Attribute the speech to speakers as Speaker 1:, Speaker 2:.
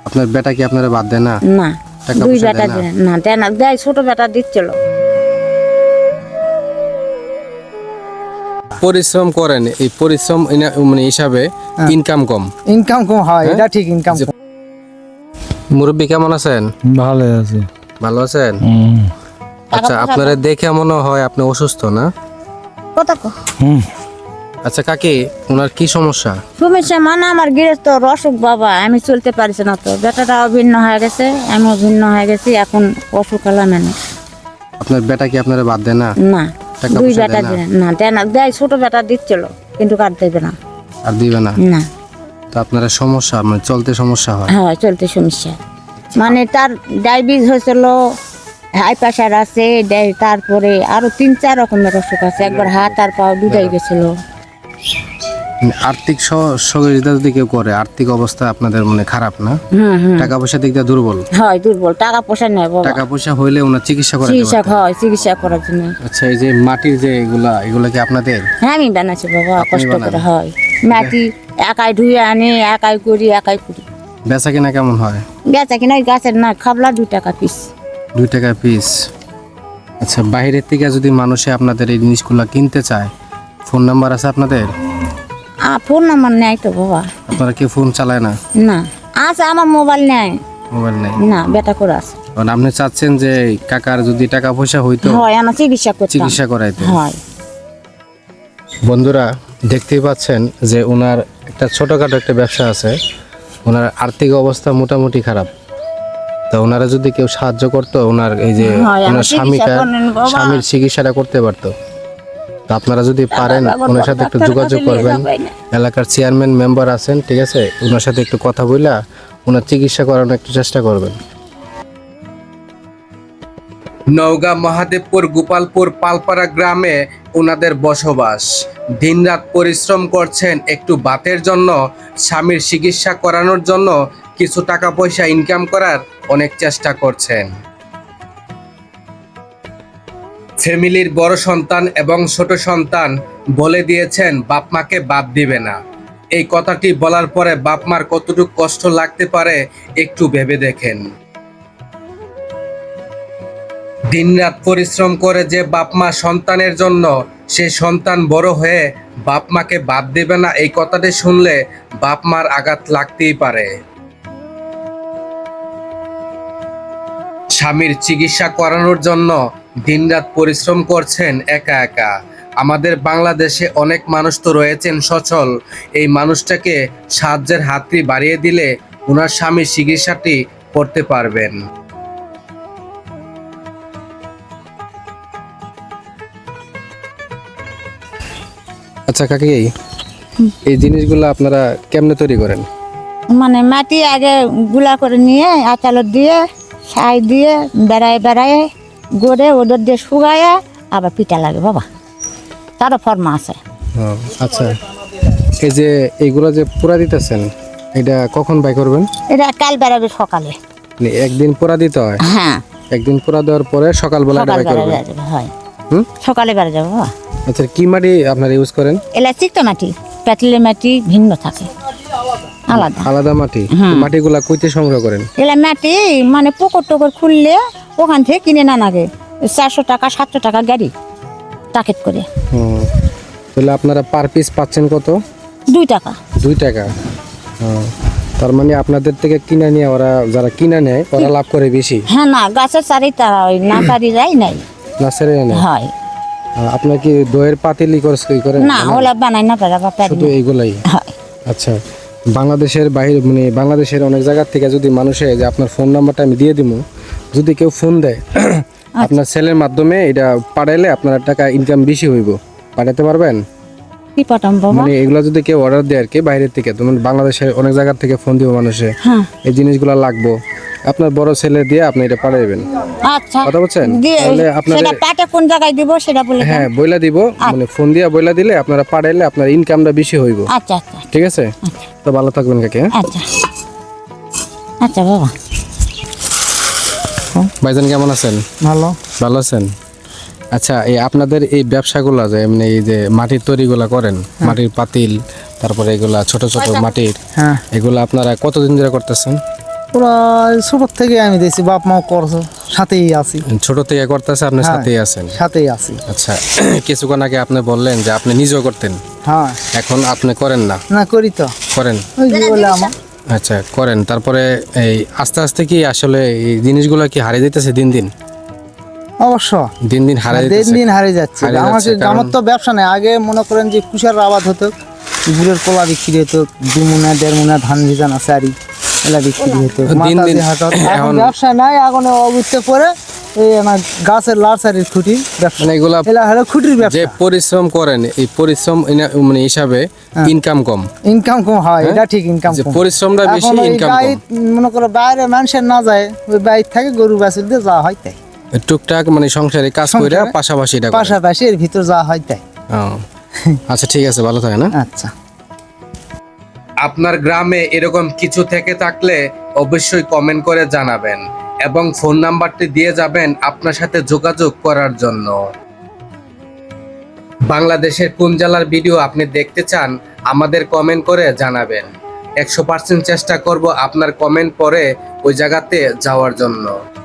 Speaker 1: আপনার বেটা কি আপনারা বাদ দেয় না?
Speaker 2: না,
Speaker 1: টাকা
Speaker 2: দুই
Speaker 1: পয়সা
Speaker 2: বেটা
Speaker 1: দেয় না?
Speaker 2: দেয় না, দেয় না, দেয়, ছোট বেটা দিচ্ছিল।
Speaker 1: পরিশ্রম করেন, এই পরিশ্রম মানে হিসাবে ইনকাম কম।
Speaker 3: ইনকাম কম হয়, এটা ঠিক, ইনকাম কম।
Speaker 1: মুরব্বী কেমন আছেন?
Speaker 4: ভালো আছে।
Speaker 1: ভালো আছেন? আচ্ছা,
Speaker 2: টাকা পয়সা
Speaker 1: আপনারা দেখে মনে হয় আপনি অসুস্থ না?
Speaker 2: কত
Speaker 1: আচ্ছা কাকি, ওনার কি সমস্যা?
Speaker 2: সমস্যা মানে আমার গৃহস্থ অসুখ বাবা, আমি চলতে পারছি না, তো বেটাটাও ভিন্ন হয়ে গেছে, আমিও ভিন্ন হয়ে গেছি, এখন অসুখ হলাম মানে।
Speaker 1: আপনার বেটা কি আপনারা বাদ দেয় না?
Speaker 2: না,
Speaker 1: টাকা
Speaker 2: দুই
Speaker 1: পয়সা
Speaker 2: বেটা
Speaker 1: দেয় না?
Speaker 2: দেয় না, দেয় না, দেয়, ছোট বেটা দিচ্ছিল, কিন্তু কার দেবে না।
Speaker 1: আর দিবে না?
Speaker 2: না,
Speaker 1: তো আপনারা সমস্যা, মানে চলতে সমস্যা হয়।
Speaker 2: হ্যাঁ, চলতে সমস্যা, মানে তার ডায়াবেটিস হয়েছিল, হাই প্রেশার আছে, তারপরে আরো 3-4 রকমের অসুখ আছে, একবার হাত আর পা দুটাই গেছিল।
Speaker 1: মানে আর্থিক সহযোগিতা যদি কেউ করে, আর্থিক অবস্থা আপনাদের মানে খারাপ না? টাকা পয়সা দিক দিয়ে দুর্বল?
Speaker 2: হয় দুর্বল, টাকা পয়সা নেই বাবা,
Speaker 1: টাকা পয়সা হইলে ওনার চিকিৎসা করা
Speaker 2: চিকিৎসা হয়, চিকিৎসা করার জন্য।
Speaker 1: আচ্ছা, এই যে মাটির যে এগুলা কি আপনাদের?
Speaker 2: হ্যাঁ, আমি বানাচ্ছি বাবা,
Speaker 1: আপনি
Speaker 2: কষ্ট
Speaker 1: বানান?
Speaker 2: করে হয়, মাটি একাই ধুয়ে আনি, একাই করি, একাই করি।
Speaker 1: বেচা কিনা কেমন হয়?
Speaker 2: বেচা কিনা গাছের না, খাবলা 2 টাকা পিস।
Speaker 1: 2 টাকা পিস। আচ্ছা, বাইরের থেকে যদি মানুষে আপনাদের এই জিনিসগুলো কিনতে চায়, ফোন নাম্বার আছে আপনাদের?
Speaker 2: ফোন নাম্বার নেই তো বাবা।
Speaker 1: আপনারা কি ফোন চালায় না?
Speaker 2: না, আছে, আমার মোবাইল নেই।
Speaker 1: মোবাইল নেই?
Speaker 2: না, বেটা করে আছে।
Speaker 1: কারণ আপনি চাচ্ছেন যে কাকার যদি টাকা পয়সা হইতো,
Speaker 2: হয়, আমার চিকিৎসা করতাম।
Speaker 1: চিকিৎসা করাইতে।
Speaker 2: হয়।
Speaker 1: বন্ধুরা দেখতেই পাচ্ছেন যে ওনার একটা ছোটখাটো একটা ব্যবসা আছে, ওনার আর্থিক অবস্থা মোটামুটি খারাপ। তা ওনারা যদি কেউ সাহায্য করতো, ওনার এই যে
Speaker 2: হয়, আমার
Speaker 1: ওনার
Speaker 2: চিকিৎসা করেন বাবা।
Speaker 1: স্বামীর চিকিৎসাটা করতে পারতো। তো আপনারা যদি পারেন ওনার সাথে একটু যোগাযোগ করবেন। এলাকার চেয়ারম্যান মেম্বার আছেন, ঠিক আছে, ওনার সাথে একটু কথা বইলা ওনার চিকিৎসা করানোর একটু চেষ্টা করবেন। নওগাঁ মহাদেবপুর গোপালপুর পালপাড়া গ্রামে ওনাদের বসবাস। দিনরাত পরিশ্রম করছেন একটু ভাতের জন্য, স্বামীর চিকিৎসা করানোর জন্য, কিছু টাকা পয়সা ইনকাম করার অনেক চেষ্টা করছেন। ফ্যামিলির বড় সন্তান এবং ছোট সন্তান বলে দিয়েছেন বাপ মাকে বাদ দিবে না। এই কথাটি বলার পরে বাপ মার কতটুকু কষ্ট লাগতে পারে একটু ভেবে দেখেন। দিনরাত পরিশ্রম করে যে বাপ মা সন্তানের জন্য, সে সন্তান বড় হয়ে বাপ মাকে বাদ দেবে না, এই কথাটি শুনলে বাপ মার আঘাত লাগতেই পারে। স্বামীর চিকিৎসা করানোর জন্য দিনরাত পরিশ্রম করছেন একা একা। আমাদের বাংলাদেশে অনেক মানুষ তো রয়েছেন সচল, এই মানুষটাকে সাহায্যের হাতটি বাড়িয়ে দিলে ওনার স্বামীর চিকিৎসাটি করতে পারবেন। আচ্ছা কাকি, এই জিনিসগুলো আপনারা কেমনে তৈরি করেন?
Speaker 2: মানে মাটি আগে গুলা করে নিয়ে আচালত দিয়ে, ছাই দিয়ে, বেড়ায় বেড়ায় গড়ে ওদের দিয়ে শুকায়, আবার পিঠা লাগে বাবা, তারও ফর্মা আছে।
Speaker 1: আচ্ছা, এই যে এইগুলো যে পুরা দিতেছেন, এটা কখন বাই করবেন?
Speaker 2: এটা কাল বেড়াবে সকালে।
Speaker 1: মানে একদিন পুরা দিতে হয়?
Speaker 2: হ্যাঁ,
Speaker 1: একদিন পুরা দেওয়ার পরে সকালবেলা এটা
Speaker 2: সকাল
Speaker 1: বাই
Speaker 2: বেড়া
Speaker 1: করবেন?
Speaker 2: যাবে, হয়
Speaker 1: হুম?
Speaker 2: সকালে বেড়া যাবে বাবা।
Speaker 1: আচ্ছা, কি মাটি আপনারা ইউজ করেন?
Speaker 2: এলা চিকটা মাটি, পেতলের মাটি ভিন্ন থাকে, আলাদা
Speaker 1: আলাদা মাটি?
Speaker 2: হুম।
Speaker 1: মাটিগুলা কইতে সংগ্রহ করেন?
Speaker 2: এলা মাটি মানে পুকুর টুকুর খুললে ওখান থেকে কিনে না লাগে, 400 টাকা 700 টাকা গাড়ি টাকেট করে।
Speaker 1: হুম। তাহলে আপনারা পার পিস পাচ্ছেন কত?
Speaker 2: 2 টাকা।
Speaker 1: 2 টাকা? তার মানে আপনাদের থেকে কিনে নিয়ে ওরা, যারা কিনে নেয় ওরা লাভ করে বেশি?
Speaker 2: হ্যাঁ, না গাছের চারিটা ওই না চারি যাই নাই,
Speaker 1: না ছেড়ে নেয়?
Speaker 2: হয়
Speaker 1: আপনার কি দইয়ের পাতিলি করেন?
Speaker 2: না, ওলা বানাই না পারা বা পারি
Speaker 1: শুধু
Speaker 2: না।
Speaker 1: এইগুলাই?
Speaker 2: হয়।
Speaker 1: আচ্ছা, বাংলাদেশের বাইরে মানে বাংলাদেশের অনেক জায়গা থেকে যদি মানুষে, যে আপনার ফোন নাম্বারটা আমি দিয়ে দিব, যদি কেউ ফোন দেয় আপনার ছেলের মাধ্যমে এটা পাঠাইলে আপনার টাকা ইনকাম বেশি হইব, পাঠাতে পারবেন?
Speaker 2: কি পাঠাম বাবা?
Speaker 1: মানে এগুলা যদি কেউ অর্ডার দেয় আর কি বাইরের থেকে, তো বাংলাদেশের অনেক জায়গা থেকে ফোন দিব মানুষে,
Speaker 2: হ্যাঁ,
Speaker 1: এই জিনিসগুলো লাগবো, আপনার বড় ছেলে দিয়ে আপনি এটা পাঠাইবেন।
Speaker 2: আচ্ছা,
Speaker 1: কথা বলছেন?
Speaker 2: দিয়ে
Speaker 1: তাহলে আপনাদের-
Speaker 2: সেটা পাঠা কোন জায়গায় দিব সেটা বলে দেন।
Speaker 1: হ্যাঁ, বইলা দিব, মানে ফোন দিয়া বইলা দিলে আপনারা পাঠাইলে আপনার ইনকামটা বেশি হইব।
Speaker 2: আচ্ছা আচ্ছা
Speaker 1: ঠিক আছে? তো ভালো থাকবেন কাকে।
Speaker 2: আচ্ছা আচ্ছা বাবা।
Speaker 1: ভাইজান কেমন আছেন?
Speaker 3: ভালো।
Speaker 1: ভালো আছেন? আচ্ছা, এই আপনাদের এই ব্যবসাগুলো যে এমনি এই যে মাটির তৈরিগুলা করেন, মাটির পাতিল, তারপরে এগুলা ছোট ছোট মাটির,
Speaker 3: হ্যাঁ,
Speaker 1: এগুলা আপনারা কতদিন ধরে করতেছেন?
Speaker 3: প্রায় ছোট থেকে আমি দেখছি বাপ মাও করছে, সাথেই আছি।
Speaker 1: ছোট থেকে করতেছে, আপনার
Speaker 3: হ্যাঁ,
Speaker 1: সাথেই আছেন।
Speaker 3: সাথেই আছি।
Speaker 1: আচ্ছা, কিছুক্ষণ আগে আপনি বললেন যে আপনি নিজেও করতেন,
Speaker 3: হ্যাঁ,
Speaker 1: এখন আপনি করেন না?
Speaker 3: না করি তো,
Speaker 1: করেন।
Speaker 3: ওই যে বলে আমার।
Speaker 1: আচ্ছা, করেন। তারপরে এই আস্তে আস্তে কি আসলে এই জিনিসগুলো কি হারিয়ে যেতেছে দিন দিন?
Speaker 3: অবশ্য
Speaker 1: দিন দিন হারিয়ে
Speaker 3: দিন
Speaker 1: যেতেছে।
Speaker 3: দিন হারিয়ে যাচ্ছে।
Speaker 1: হারিয়ে
Speaker 3: আমাকে
Speaker 1: যাচ্ছে, কারণ-
Speaker 3: আমার তো ব্যবসা নেই। আগে মনে করেন যে কুষার আবাদ হতো, গুড়ের কলা বিক্রি হতো, 2 মুনা 1.5 মুনা ধান ভিজানো চারি এলা বিক্রি হতো।
Speaker 1: দিন
Speaker 3: মাতাজি
Speaker 1: দিন
Speaker 3: হাটত। এখন
Speaker 1: এখন-
Speaker 3: ব্যবসা নাই, এখন অবুঝতে পরে এই আমার গাছের লাড়সারির খুঁটি ব্যবসা।
Speaker 1: মানে এগুলা
Speaker 3: এলা হলো খুঁটির
Speaker 1: যে
Speaker 3: ব্যবসা।
Speaker 1: পরিশ্রম করেন, এই পরিশ্রম মানে হিসাবে ইনকাম কম।
Speaker 3: ইনকাম কম হয়, এটা ঠিক, ইনকাম
Speaker 1: যে
Speaker 3: কম।
Speaker 1: পরিশ্রমটা বেশি,
Speaker 3: এখন ওই
Speaker 1: ইনকাম
Speaker 3: গাই
Speaker 1: কম।
Speaker 3: মনে করো বাইরে মানুষের না যায়, ওই বাইর থেকে গরু বাছুর দিয়ে যাওয়া হয় তাই।
Speaker 1: টুকটাক মানে সংসারে কাজ করে
Speaker 3: সংসারে
Speaker 1: পাশাপাশি এটা করেন।
Speaker 3: পাশাপাশি এর ভিতর যাওয়া হয় তাই।
Speaker 1: ও, আচ্ছা ঠিক আছে, ভালো থাকে না?
Speaker 3: আচ্ছা।
Speaker 1: আপনার গ্রামে এরকম কিছু থেকে থাকলে অবশ্যই কমেন্ট করে জানাবেন এবং ফোন নাম্বারটি দিয়ে যাবেন আপনার সাথে যোগাযোগ করার জন্য। বাংলাদেশের কোন জেলার ভিডিও আপনি দেখতে চান আমাদের কমেন্ট করে জানাবেন। 100% চেষ্টা করব আপনার কমেন্ট পড়ে ওই জায়গাতে যাওয়ার জন্য।